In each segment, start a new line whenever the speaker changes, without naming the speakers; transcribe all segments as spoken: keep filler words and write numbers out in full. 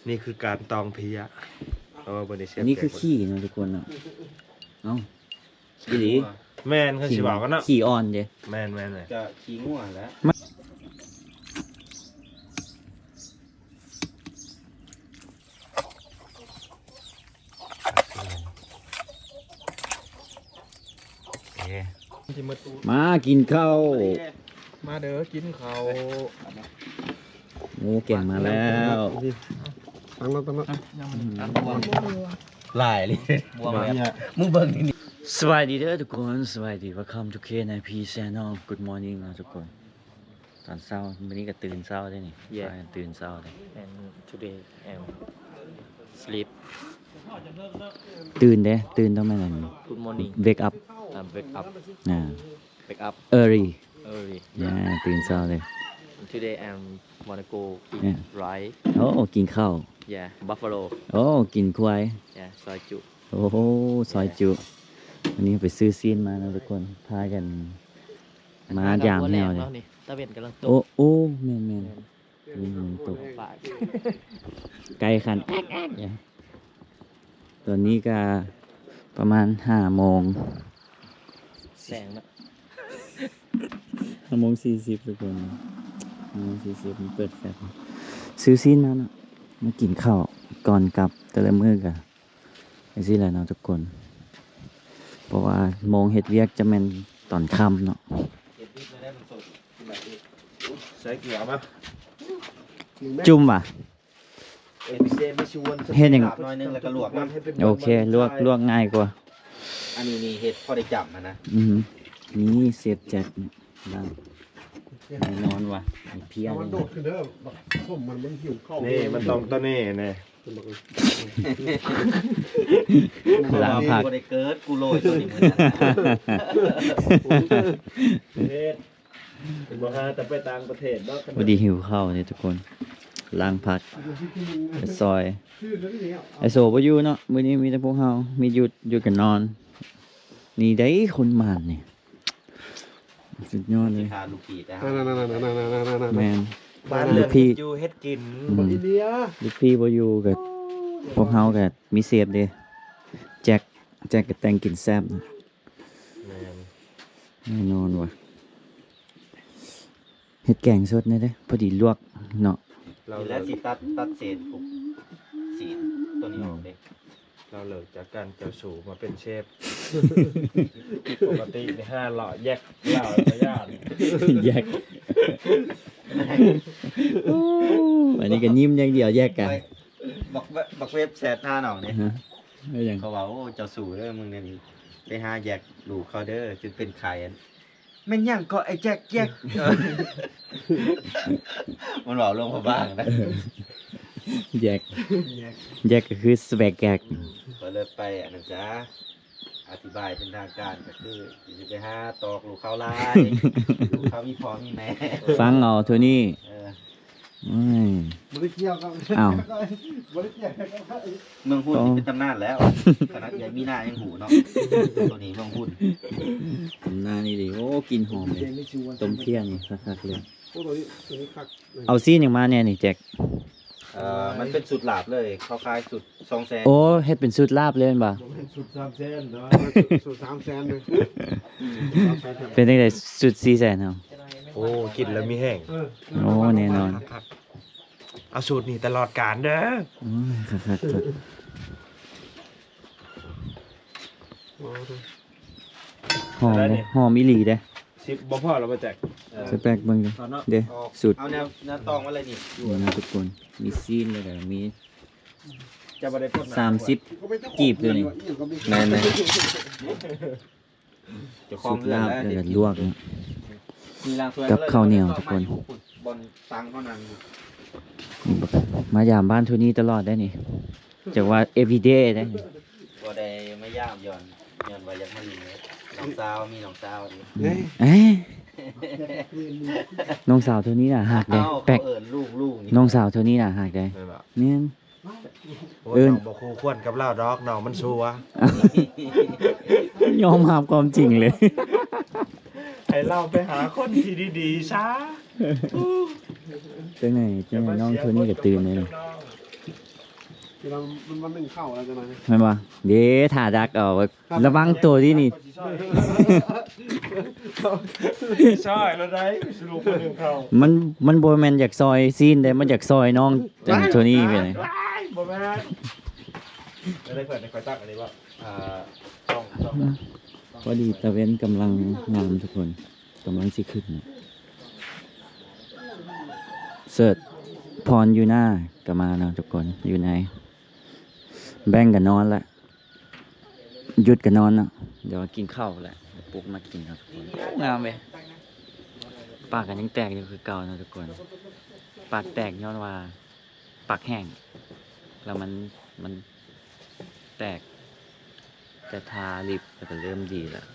นี่คือการตองเพียเออบริเชฟ
อันนี้คือขี้นะทุกคนเนาะเอ้าขี้หลี
แมนเขาสิบอกกันเนาะ
ขี้อ่อนเด้
แมนแมนเลย
จะขี้ง่วงแล้ว
มากินข้าว
มาเด้อกินเขา
หมูแกงมาแล้ว
ตั้งแล้วตั้งแล้ว
หลายเลยบวมแบบมึงเบิ่งนี่
สวัสดีเด้อทุกคนสวัสดี welcome to K ใน P Channel good morning นะทุกคนตอนเช้าวันนี้ก็ตื่นเช้าได้นี่พากันตื่นเช้าเลย
and today I'm sleep
ตื่นเด้ตื่นต้องมานั่น
good morning
wake up
I'm wake up
อ่า
wake up
early
early
อ่าตื่นเช้าเลย
and today I'm wanna go eat
Yeah.
rice
โอ้กินข้าว
yeah buffalo
โอ้กินควาย
yeah ซอยจุ
โอ้โหซอยจุวันนี้ไปซื้อซีนมานะทุกคนพากันมายามแนวเลย
นี่ตะเวนกำลังต
โอ้
ก
โอ้แม่นแม่นนี่มันตก
ฝ่าย
ไกลขันแอ๊กแอ๊กอย่างตอนนี้ก็ประมาณห้าโมง
แสงนะ
ห้าโมงสี่สิบทุกคนห้าโมงสี่สิบมันเปิดแฟลชซื้อซีนมาเนาะมากินข้าวก่อนกลับแต่ละมื้อกันไอ้สิแหละเนาะทุกคน เพราะว่าโมงเฮ็ดเวียกจะแม่นตอนค่ำเนาะ
ใส่เกลือมา
จุ่มว่ะ
เอ็นพีซีไม่ชวน
เฮ็ดหยัง
หน่อยนึงแล้วก็ลวกมัน
โอเคลวกลวกง่ายกว่า
อันนี้นี่เห็ดพอได้จับมันนะ
อือหือนี่เสียบแจ็คบ้างแน่นอนว่ะไอ้เพี้ย
มัน
นี่
โดดขึ้นเด้อผมมันมันหิวข้าว
นี่มันต้องตัวนี้นี่
ลาผัก
กูได้เกิดกูโรยตัวนี้มือนะ
เฮ็ดเป็นบ่ฮาแต่ไปต่างประเทศเนาะ
พอดีหิวข้าวเนี่ยทุกคนล้างผักไปซอย
ชื่อแล้วนี่เนี่ย
ไอโซบ่อยู่เนาะมื้อนี้มีแต่พวกเฮามีหยุดหยุดกันนอน นี่ได้คนมานนี่สุดยอดเลย
ทาลูกกีดนะค
นั่น
รับ
นั่นนั่นนั่นนั่นนั่นนั่น
แมน
บ้านเรือนอยู่เฮ็ดกิน
อืม
อินเดีย
ลูกพี่บ่อยู่กับพวกเฮาก็มีเซฟเด้แจ็คแจ็คก็แต่งกินแซ่บนะ
แม่น
แน่นอนว่ะเฮ็ดแกงสดนี่เด้พอดีลวกเนาะ
เรา
นี่
เลิ
แล้ว
ก
สิตัดตัดเศษปุ๊บสีตัวนี้ออกเลย
เราเลิกจากการเจ้าสู่มาเป็นเชฟปกติในห้าหล่อแยกเหล่าระยะ
แยกอันนี้ก็ยิ้มอย่างเดียวแยกกัน
บักเวบักเว็บแสบท่าหนองเนี่ย
ฮะเอาอย่าง
เขาว่าโอ้เจ้าสู่เด้อมึงเนี่ยนี่ไปหาแยกลูกเขาเด้อจนเป็นไข่อันแม่นยังก็ไอ้แจ็คแยกเออมันบอกลงมาบ้างนะ
แยกแยกก็คือสแวกแกก
ก็เลยไปอันนั้นจ้าอธิบายเป็นทางการก็คือจะไปหาตอกลูกเขาลายลูกเขามีพ่อมีแม่
ฟังเอาเท่านี้
เออ
อืม
บริเกี่ยวกับบริเกี่ยวกับ
เมืองหุ้นนี่เป็นตำนานแล้วขนาดใหญ่มีหน้ายังหูเนาะตัวนี้เมืองหุ้น
ทำหน้านี่ดิโอ้กินหอมเลยต้มเพี้ยนี่คักๆเลย
โอ้ตัวนี้ตัวนี้คัก
เอาซีนอย่างมาเนี่ยนี่แจ็ค
เอ่อมันเป็นสุดหลาบเลยเขาขายสุดสองแสน
โอ้เฮ็ดเป็นสูตรลาบเลยแม่นบ่
สุดสามแสนเนาะสุดสามแสนเลย
เป็นจังได๋สูตรสี่แสนเฮา
โอ้กินแล้วมีแห้ง
เออ
โอ้แน่นอน
ครับเอาสูตรนี่ตลอดกาลเด้อ
โอ้ยคักๆครับหอมเด้หอมอีหลีเด้
สิบบ่พอเราไปแจก
สแปกเบิ่งเด้เด้สูตร
เอาแนวแนวตองมาเลยนี่
นี่นะทุกคนมีซีนเลยเด้อมี
จะบ่ได้พด
สามสิบ กีบเลยนี่ แม่นๆ
เจ้าขอ
สู
ง
ตร
เรื่อง
ลาบ
แล้ว
แล้วก็ลวกเนาะ
มีรางถ้วย
กับข้าวเหนียวทุกคน
บนตังเขานั่งอยู่
นี่บอกมายามบ้านทุนี้ตลอดได้นี่จากว่า everyday ได้นี่
บ่ได้ไม่ย่ามย้อนย้อนว่าอยากมาลินเลยน้องสาวมีน้องสาวดิ
เอ้ยน้องสาวเท่านี้น่ะหักได้
เอ้า
แปล
เขา
ก
เอิ้นลูกลูกนี่
น้องสาวเท่านี้น่ะหักได้
แม่นบ่
เนี่ย
โอ้
เอิ้
ย
น
น้องบ่คู่ควรกับเราดอกน้องมันชัว
ยอมรับความจริงเลย
ให้เราไปหาคนที่ดีๆซะ
จังไหนจังไหนน้องเท่านี้ก็ตื่นเลยนี่
เวลามันมันหนึ่งเข้าแล้วจะมา
แม่นบ่เด้ถ่าดักเอาระวังตัวที่นี่
ใช่แล้วได้สรุปคนหนึ่งเขา
มันมันบ่แม่นอยากซอยซีนได้มันอยากซอยน้องจังโทนี่ไปเลย
บ่แม่นได้เปิดในคอยตั้งอันนี้ว่าอ่าช่องช่อง
พอดีตะเว้นกำลังงามทุกคนกำลังสิขึ้นน่ะเสิร์ชพรอยู่หน้าก็มาเนาะทุกคนอยู่ในแบ่งกันนอนละหยุดกันนอนเนาะเดี๋ยวกินข้าวแหละเดี๋ยวปลุกมากินเนาะทุกคนงามเว้ยปากกันยังแตกอยู่คือเก่าเนาะทุกคนปากแตกย้อนว่าปากแห้งแล้วมันมันแตกแต่ทาลิปก็เริ่มดีแล้ว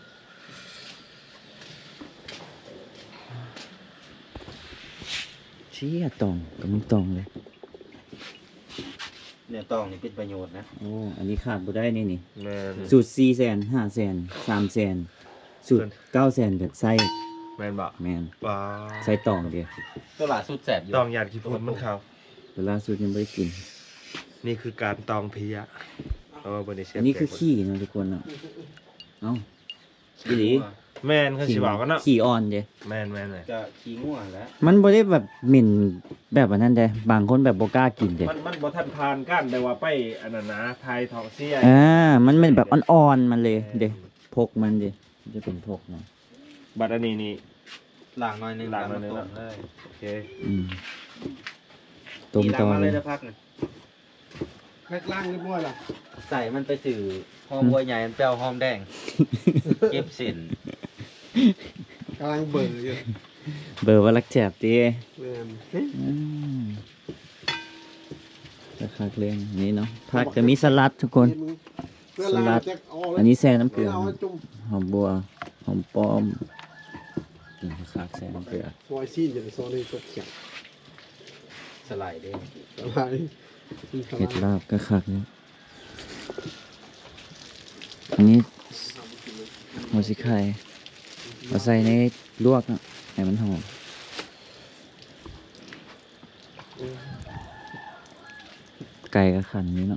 เชี่ยตองก็มีตองเลย
เนี่ยต้องนี่เป็นประโยชน์นะ
โอ้อันนี้ขาดบ่ได้นี่นี่
แม่น
สูตรสี่แสนห้าแสนสามแสนสูตรเก้าแสนกับไส้
แม่นบ่
แมน
ว้า
ไส้ตองเดียว
ตัวหลาสุดแสบอยู่
ตองหยาดขี้ฝุ่นมันเขา
เวลาสูตรยังไม่ได้กิน
นี่คือการตองเพียเอามาบนในเชฟ
อันนี้คือขี้เนาะทุกคนเนาะเอ้าขี้หลี
แม่นเขาสิบอกกันเนาะ
ขี้อ่อนเด้
แม่นแม่นเลย
จะขี้ง่วงแล้ว
มันบ่ได้แบบหมิ่นแบบอันนั้นเด้บางคนแบบบ่กล้ากินเด้
มันมันบ่ทันผ่านกันแต่ว่าไปอันนั้นนะไทยทองเสีย
อ่ามันเป็นแบบอ่อนๆมันเลยเด้พกมันเด้มันจะเป็นพกเนาะ
บัดอันนี้นี่
ล้างหน่อยหนึง
ล้างหน่อยหนึ่ง
ต้มเลย
โอเค
อืมต้ม
นี่
ต่
ล้าง
อ
มา
เล
เลย ยนะพักหนึง
แพ็คล่างเรียบร้อยละ
ใส่มันไปสื่อหอมบัวใหญ่มันเปรี้ยวหอมแดง เก็บสิน
กำลังเบื่ออยู่
เบอร์ว่ารักแจบติ
แม่น
อืมจะคักเรื่องนี้เนาะผักจะมีสลัดทุกคน
เพื่อนล่างจะเอาเลย
อันนี้แซ่น้ำเกลือ
เอาไว้จุ่ม
หอมบัวหอมป้อมกินคักแซ่น้ำเกลือ
ซอยซีนอย่างซอยในตกเขียง
สไลด์เด้ง
อะไรซีนส
เห็ด
ลัด
ลาบก็คักเนี่ยอันนี้หัวสิไข่เอาใส่ในลวกอ่ะให้มันหอมไก่ก็ขันนี้เนาะ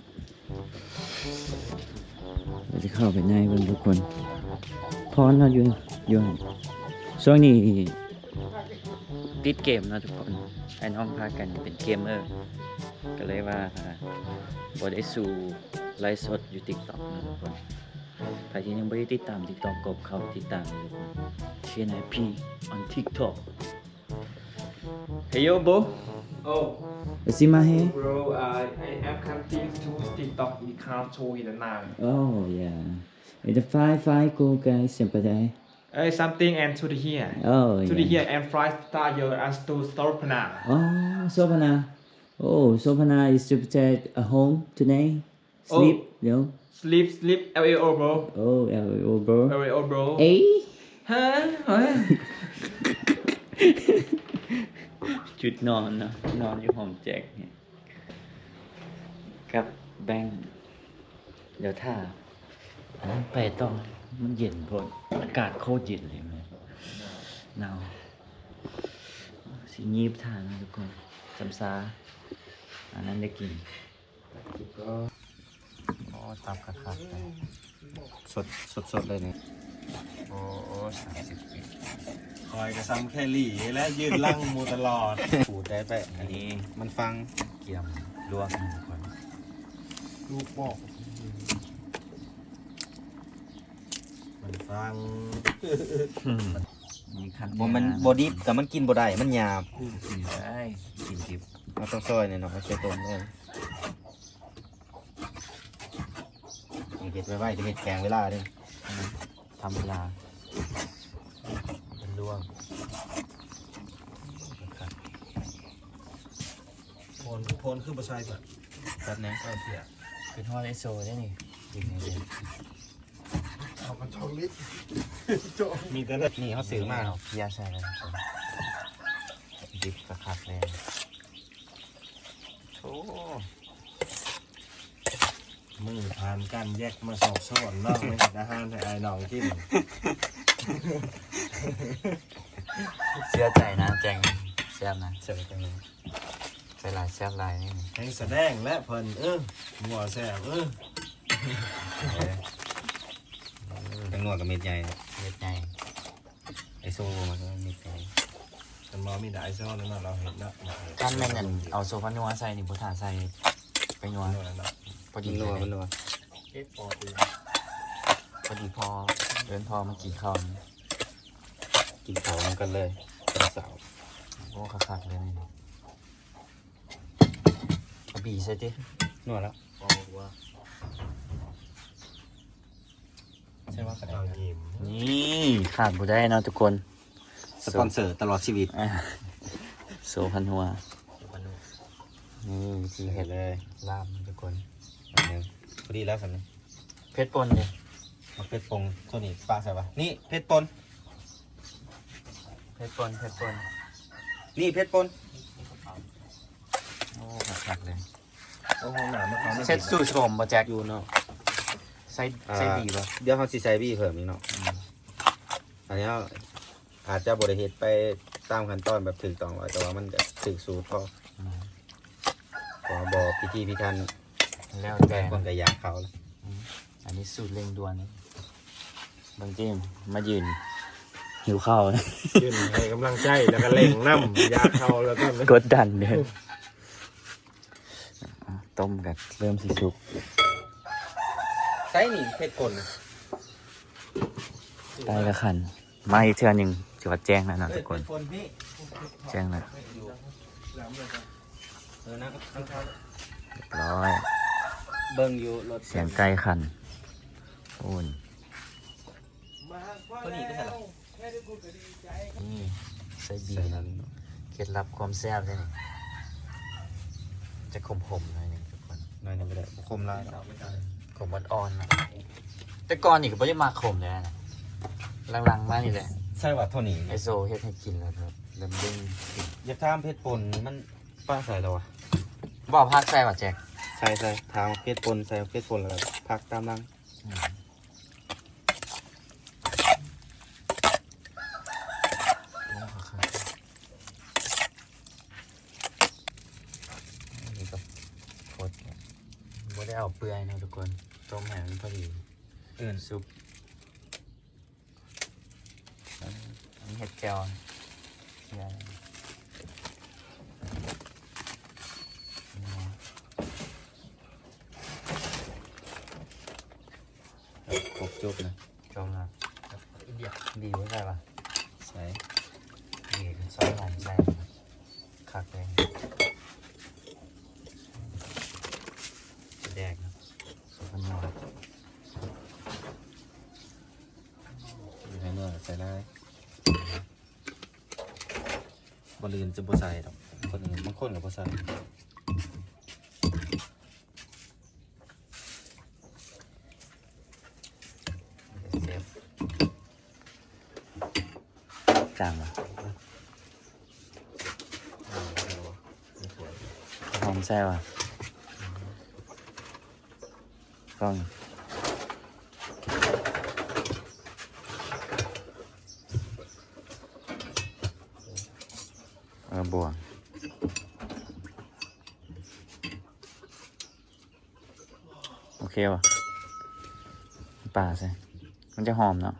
เดี๋ยวจะเข้าไปในเพื่อนทุกคนพรเราะอยู่อยู่ช่วงนี้ติดเกมเนาะทุกคนไอ้น้องพากันเป็นเกมเมอร์ก็เลยว่าบอได้สู่ไลฟ์สดอยู่ TikTok นะทุกคนใครที่ยังไม่ได้ติดตาม TikTok กบเข้าติดตามเลยทุกคนเชียร์นายพี่ on TikTok Hey yo bro
Oh
see my hair
bro I I am coming to TikTok we can't show it now
oh yeah it's a five five go guys sempre
Uh, something and to the here.
oh
To the
yeah
here and fry star your as to start now.
oh Sopana oh Sopana is to protect a home today sleep you know
Sleep, sleep, L A O bro.
oh oh bro
L A O bro.
เอ้ย
Huh? What?
ชุดนอนเนาะนอนอยู่ห้องแจ็คเนี่ยกับแบงค์เดี๋ยวถ้าอันนั้นไปต้องมันเย็นพออากาศโคตรเย็นเลยมันหนาวสิยีบทานนะทุกคนจำซาอันนั้นได้กินก็อ๋อตับกระคักเลยสดสดสดเลยเนี่ย
โอ้สามสิบปีคอยกระซ้ำแค่หลี่และยืนลั่งมูตลอด
ปูดได้ไป
อันนี้
มันฟัง
เกี่ยมลวกนะทุกคน
ลูกบอก
มันฟัง
มีขั้น
บ่มันบ่ดิบแต่มันกินบ่ได้มันหยาบ
กินได้กินดิบ
เราต้องซอยหน่อยเนาะเอาใส่ต้มเลยนี่เฮ็ดไว้ไว้จะเฮ็ดแกงเวลาเด้
ทำเวลาเป็นลวก
โพนโพนคือประชายสัตว์
แป๊บนึง
ก็เพีย
เป็นฮอลไอโซได้นี่จริงไงเด็ก
เอามันช่องลิตรโจ
มีแต่ละ
นี่เขาซื้อมา
เอาเพียใส่แล้วนะครับดิบกระคักเลยโอ้
มือผ่านกันแยกมาสอบสวนนอกไม่อาหารแต่ไอ้น้องกิน
เชื่อใจนะแจงแซ่บนะ
เสิร์ฟตรงนี้
สส่หลายแซ่บหลายนี่
แห่งแสดงและเพิ่นเออหัวแซ่บเออ
จังหนวดกับเม็ดใหญ่
เม็ดใหญ่
ไอโซมันก็เม็ดใหญ่
มันมอมีได้ซ้อนนั่นเราเห็นแล้ว
กันแม่นอั่นเอาโซฟานัวใส่นี่บ่ทาใส่ไปนัว
นัวแล้วเนาะ
พอดี
มันนัวมันนัว
เอ๊ะพอดี
พอดีพอเดินพอมากินข้าวนี่
กินเขาวกันเลยเป็นสาว
โอ้คักๆเลยนี่เอาบีใส่ติ
นัวแล้ว
พอว่า
ใช่ว่ากระ
เรา
ดาษ
ยิ้ม
นี่ขาดบ่ได้เนาะทุกคน
สปอนเซอร์ตลอดชีวิต
อ่ะโซพันหัวนี่วิธี
เห็
เห็
น
ด
เลย
ลาบทุกคน
อันหนึงพอดีแล้วสันนี้
เพชรป่นเนี่ย
มาเพชรปงโซนี่ปลาใส่ปะนี่เพชรปน
เพชรป่นเพชรป่น
นี่เพชรปน
โอ้คักๆเลย
โอ้ห้องน้ำมันเขา
เซ็ตสูตรผมบ่แจ็ค
อยู่เนาะ
ใส่ใส่ดีป่ะ
เดี๋ยวเขาสิใส่บี้เพิ่มอีกเนาะอันนี้เอาอาจจะบริเหตุไปตามขั้นตอนแบบถึงต้องไว้แต่ว่ามันจะถึงสูตรพอขอบอกพิธีพิธัน
แล้วแต่
คนก็อยากเขาแล้ว
อันนี้สูตรเร่งด่วนบางทีมมายืนหิวข้าวนะ
ยืนให้กำลังใจแล้วก็เล่งน้ำยาเข้าแล้วก็
กดดันเดินต้มกันเริ่มสิสุก
ใส่นี่เพชรปน
ได้ละคันมาอีกเทื่อหนึ่งจังหวัดแจ้งแล้วเนาะทุกคน
เพชรปนพี่
แจ้งแล้ว
เออนะ
เรียบร้อย
เบิ่งอยู่รถ
เสียงไก่ขันโอ้น
ตัวนี้ก็ใช่หรอ
นี่ใส่บี
ใส่นั้น
เคล็ดลับความแซ่บเลยนี่จะขมๆหน่อยหนึงทุกคน
หน่อยหนึงก็ได้คมลาย
ขมอ่อนๆนะแต่ก่อนนี่ก็ไม่ได้มาขมเลยนะหลังๆมานี่แหละ
ใช่ว่าเท่านี้
ไอโซเฮ็ดให้กินแล้วครับเริ่มเด้งกิน
อย่าทามเพชรปนมันป้าใส่แล้ววะ
บอกพักใส่ว่ะแจ็ค
ใส่ใส่ทางเพชรปนใส่เพชรปนแล้วก็พักตามหลัง
นี่ก็โคตรไม่ได้เอาเปลือยนะทุกคนต้มแห้งพอดี
เอื่น
ซุปอันนี้เห็ดแก้วนะเนี่ย
ครบจุบนะ
จมละดีไว้ใช่ปะ
ใส่
ดีซอยหอมใส่คักเลยจะแดกนะสุกนัว
อยู่ในเนื้อใส่ได้บอลลืนจะบ่ใส่ดอกคนอื่นบางคนก็บ่ใส่
เซฟจางปะหอมแซ่บอ่ะกล้องเออบวงโอเคป่ะป่าใช่มันจะหอมเนาะ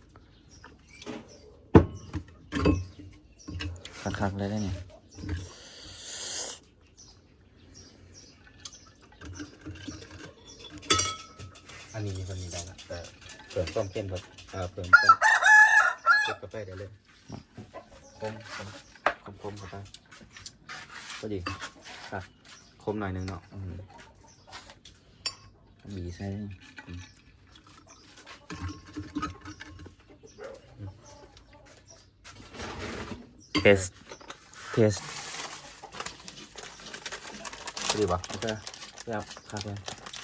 คักๆเลยได้เนี่ย
อันนี้คนนี้ได้ละแต่เพิ่มความเข้มแบบอ่าเพิ่มความเก็บกาแฟได้เลยคมคมคมคมเข้าไปก็ดีครับคมหน่อยหนึงเนาะอืม
บีใส่เทสเทส
ดีป่ะ
โอเคครับครับเลย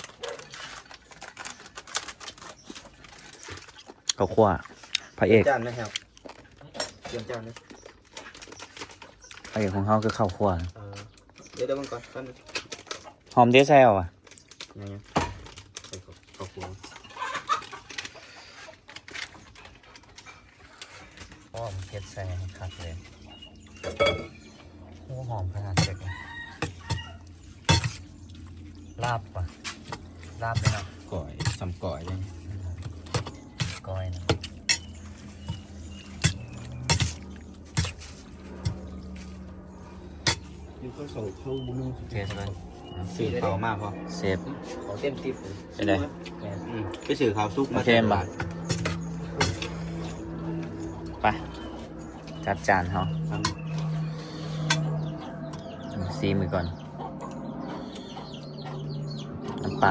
ข้าวคั่วพระเอก
จานไหมครับเตรียมจานไหม
พระเอกของเขาคือข้าวคั่ว
เออเดี๋ยวเดี๋ยวมันก่อนท่าน
หอมเดซแซลอ่ะ
ยังไงใส่ข้าวข้าวคั่ว
เพราะว่ามันเผ็ดใส่คักเลยโอ้หอมขนาดเจ็บเลยลาบป่ะลาบเลยเนาะ
ก่อยสำก่อยเลย
ก้อยนะ
อยู่ก็ส่งเข้าบุญนึง
โอเคสบาย
สื่อเขามากพอ
เซฟ
ของเต็มทิปเลย
ไปเลย
อืมไปสื่อเขาซุกมา
โอเคมา ไปจัดจานเขาซีมือก่อนน้ำเปล่า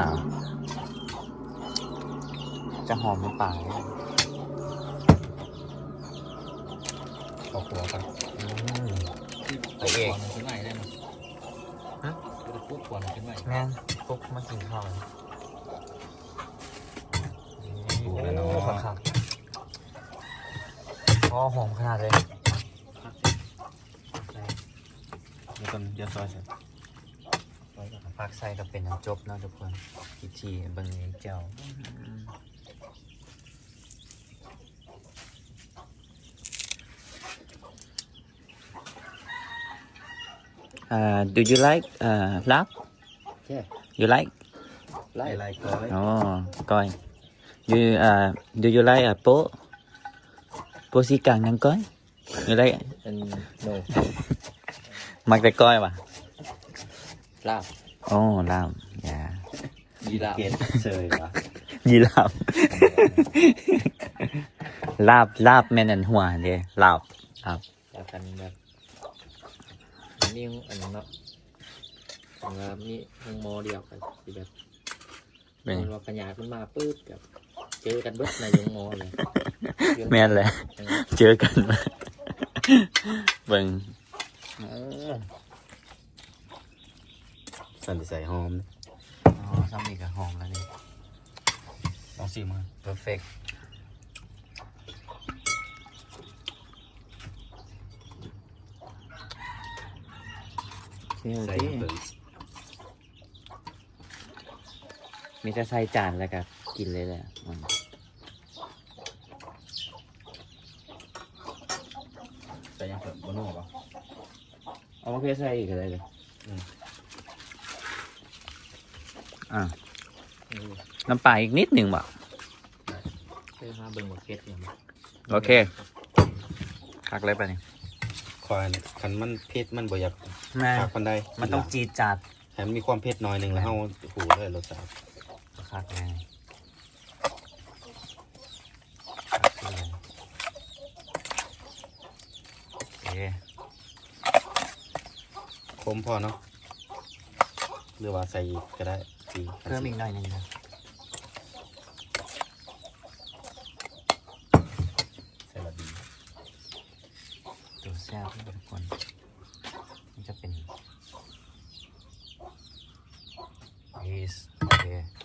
จะหอมน้ำเปล่าไหม
ขอหัวกัน
อืม
ไอเอก
ขึ้นใหม่ได้ไหมฮะจะพูดก่อนขึ้นใหม่
แม่นฟุกมากินข้าว
ถูกแล้วเนา
โอ้
ะ
ครับอ๋อหอมขนาดเลย
นี่ต้นเดียวซอยเสร็จ
พักใส่ก็เป็นน้ำจบเนาะทุกคนพิธีเบิ่งนี้เจ้า Uh, do you like uh, lab?
Yeah.
You like?
ไล่ไล่ก่อย
Oh, coi. You uh, do you like a po? Po si càng năng coi. You like? it?
เป็นโน
Mặc tay coi mà.
ลาบ
Oh, làm. Yeah.
ยีราฟ
เกตเซยวะ
Gì làm? Lab, lab men and hoa đi. Lab, lab.
จากกันแบบมีอันนั้นเนาะของเรามีห้องโมเดียวกันที่แบบ
Bên
มันว่าปัญญาขึ้นมาปื๊ดกับเจอกันเบิดในยงโมเลย
men là chưa cần. Vâng.
สันติใส่หอม
Oh, xong thì cả hòm là đi.
ลองชิมมา
Perfect. Okay,
ใส่
okay.
เปิด
มีแต่ใส่จานแล้วก็กินเลยแหละอืม
ใส่ยังเปิดบนหัวปะ
เอามาเพื่อใส่อีกอะไรเลย
อืม
อ่าน้ำปลาอีกนิดหนึ่งบ่
เพื่อมาเบิ่งหมดเคสอย่างนี้
โอเคคักเลยไปนี่
ควายเนี่ยคันมันเผ็ดมันบ่อยาก
แม่
ขาดปันใด
มันต้องจีดจัด
ให้มันมีความเผ็ดหน่อยหนึ่งแล้วเฮาหูเลยรสชาติ
คักไงโอเค
คมพอเนาะหรือว่าใส่อีกก็ได้สี
เพิ่มอีกหน่อยหนึงนะ
ใส่ละดี
ตัวแซ่บทุกคนมันจะเป็นเอสโอเค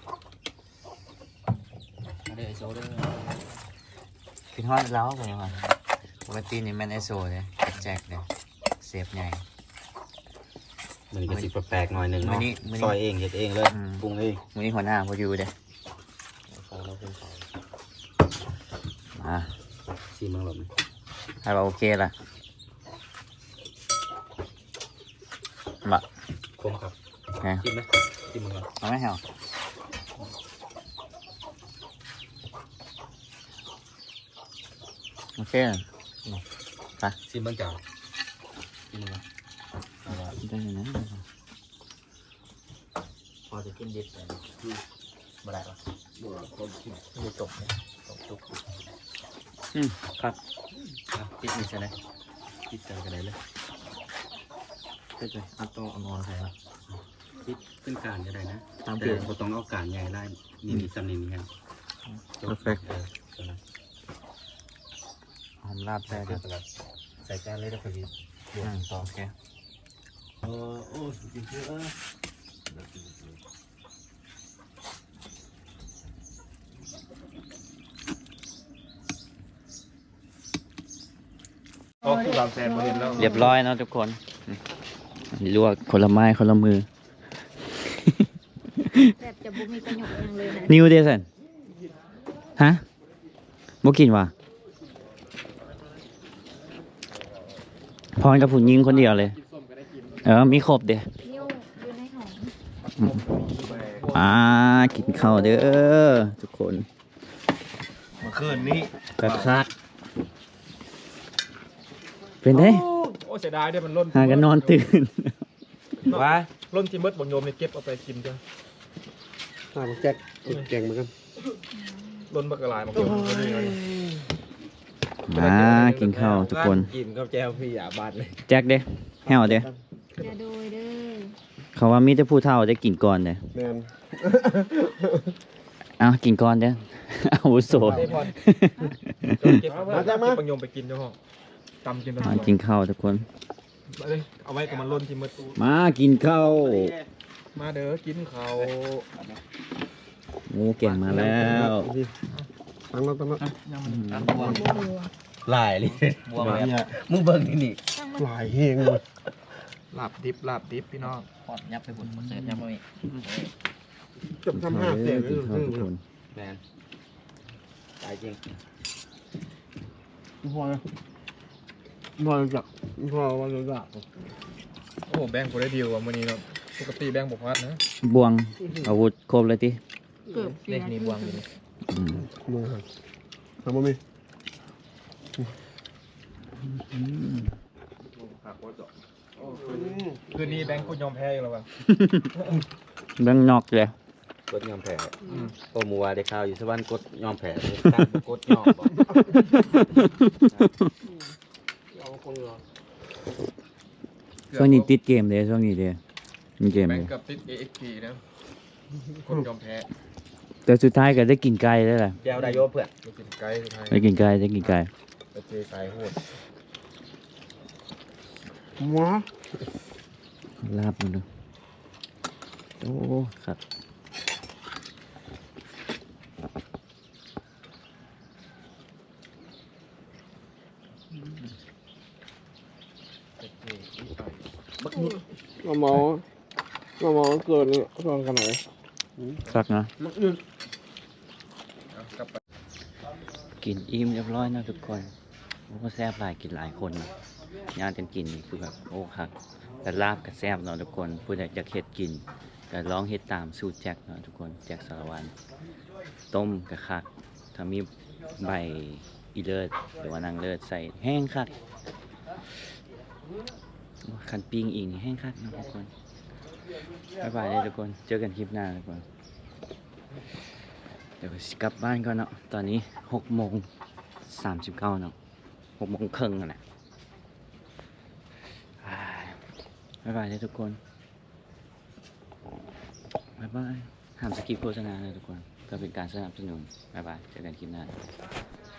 มาเด้อไอโซเด้อ
คิดฮอดแล้วเป็นยังไงปกตินี่แมนไอโซเลยแจกเลยเซฟใหญ่
มันก็สิแปลกๆหน่อยหนึ่ง
มื้อ
เนาะ
นี้มื้อนี้
ซอยเองเฮ็ดเองเลย
อืม
ปรุงเอง
วันนี้หัวหน้าพออยู่เด้
ของเราเป็นของ
มา
ซีมังหลบ
ให้เราโอเคละมา
คมครับ
ไง
ชิมไหมชิมมันก่อน
เอาไหมเหรอโอเค
ชิมเบิ่งจ้าชิมมันก่อน
ได้เลยนะ
พอจะกินดิบเลยบ่ได้หรอก
บ่คนกิน
ไม่จบเนี่ยจบจุก
อืมครับ
ติดนี่ใช่ไหม
คิดใจกันได้เลย
ติดเลยเอาตัวเอานอนใส่ละ
คิดเป็นการก็ได้นะ
ตาม
แต่
เกลือ
บ่ต้องเอาการใหญ่ไล่นี่นี่ซ้ำนี่นี่ครับ
Perfect
เออเดี๋ยวนะ
หอมลาบแซ่บ
เดี๋ยวก่อนใส่จานเลยแล้วค่อยหยิบ
อืมโอเค
เออโอ้กินเยอะ
โอ้คือเราแซนมาเห็นแล้ว
เรียบร้อยเนาะทุกคนอืมลวกคนละไม้คนละมือ
แบบจะบุมีประโยชน์ยังเลยนะ
นิวเดซันฮะบ่กินว่ะพรกับผู้หญิงคนเดียวเลย เออ มีครบเด้
นิ้วอยู่ในหอง
อืมมากินข้าวเด้อทุกคน
เมื่อคืนนี้
กระคักเป็นไง
โอ้โอ้เสียดายเด้มันล้น
หากันนอนตื่น
ว่า
ล้นที่มดบังโยมนี่เก็บเอาไปกินจ้ะ
หาแจ็คแกงเหมือนกัน
ล้นบักกะลายบังโยมก็นี่เลย
มากินข้าวทุกคน
กินข้าวแจวพี่อย่าบาดเลย
แจ็คเด้แห้วเด้
อย่าโดยเด้อ
เขาว่ามีแต่ผู้เฒ่าได้กินก่อนเด้
แมน
เอากินก่อนเด้อ อาวุโส
ได้พอเก็บเอาเก็บบังโยมไปกินเจ้าห้องตำกินไป
มากินข้าวทุกคน
เอ้ยเอาไว้กับมันล้นที่มด
มากินข้าว
มาเด้อกินข้าว
หมูเก่งมาแล้ว
ตั้งแล้วตั้งแล้ว
หลายเลยบวม
เนี่ย
มึงเบิ่งที่นี่
หลายเฮงเลย
ลาบดิบลาบดิบพี่น้อง
พอดยับไปบุญเสิร์ฟยับไป
จบทำห้าเสียง
กินข้าวทุกคน
แมนตายจริง
พอเลยพอจักพอวันจัก
โอ้แบงค์กูได้ดีกว่ามื้อนี้เนาะปกติแบงค์บ่พลาดนะ
บวงอาวุธครบเลยติ
เกือบเสี
เล็
ย
กนี่บวงอยู่นี่
อืม
มือครับทำบ่มี
คืนนี้แบงค์กูยอมแพ้อยู่แล้วว่ะ
เบื้องนอกเลย
กดยอมแพ้โอ้มัวได้ข่าวอยู่สวรรค์กดยอมแพ้ตามกดยอมบ่
ช่วงนี้ติดเกมเลยช่วงนี้เด้มีเกม
แบ
เล
ง
ย
ค์กับติด เอ เอ็กซ์ พี นะคนยอมแพ้
แต่สุดท้ายก็ได้กินไก่แล้วแหละ
แจวได้โยเพื่อน
ไปกินไก่สุดท้าย
ได้กินไก่ได้กินไก่
ไปเจอไก่โหด
หว้า
ลาบมันดูโอ้ครับ
เราเมาเราเมาเกินตอนขนาดไหน
คักนะ
เอากลับไป
กินอิ่มเรียบร้อยนะทุกคนโอ้แซ่บหลายกินหลายคนนะญาติกันกินนี่คือแบบโอ้คักแต่ลาบกับแซ่บเนาะทุกคนผู้ใดอยากเฮ็ดกินก็ลองเฮ็ดตามสูตรแจ็คเนาะทุกคนแจ็คสารวันต้มกับคักถ้ามีใบอีเลิศหรือว่านางเลิศใส่แห้งคักคันปิ้งอีกนี่แห้งคักเนาะทุกคนบ๊ายบายเลยทุกคนเจอกันคลิปหน้าทุกคนเดี๋ยวสิกลับบ้านก่อนเนาะตอนนี้หกโมงสามสิบเก้าเนาะหกโมงครึ่งแล้วนะอ่าบ๊ายบายเลยทุกคนบ๊ายบายห้ามสกิปโฆษณาเลยทุกคนก็เป็นการสนับสนุนบ๊ายบายเจอกันคลิปหน้า